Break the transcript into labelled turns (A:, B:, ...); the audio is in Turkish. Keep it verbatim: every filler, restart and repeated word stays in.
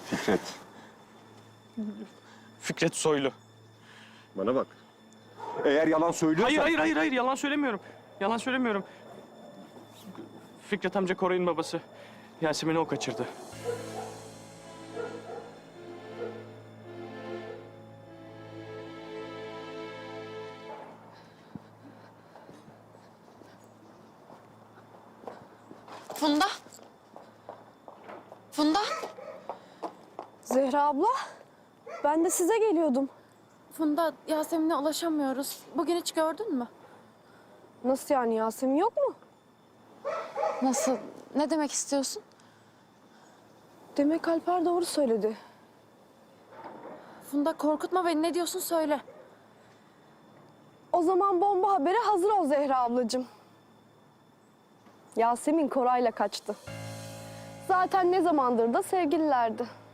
A: Fikret.
B: Fikret Soylu.
A: Bana bak. Eğer yalan söylüyorsan...
B: Hayır, hayır, hayır, hayır. Yalan söylemiyorum. Yalan söylemiyorum. Fikret amca Koray'ın babası. Yasemin'i o kaçırdı.
C: Funda. Funda.
D: Zehra abla, ben de size geliyordum.
C: Funda, Yasemin'e ulaşamıyoruz. Bugün hiç gördün mü?
D: Nasıl yani, Yasemin yok mu?
C: Nasıl? Ne demek istiyorsun?
D: Demek Alper doğru söyledi.
C: Funda, korkutma beni. Ne diyorsun söyle.
D: O zaman bomba habere hazır ol Zehra ablacığım. Yasemin Koray'la kaçtı. Zaten ne zamandır da sevgililerdi.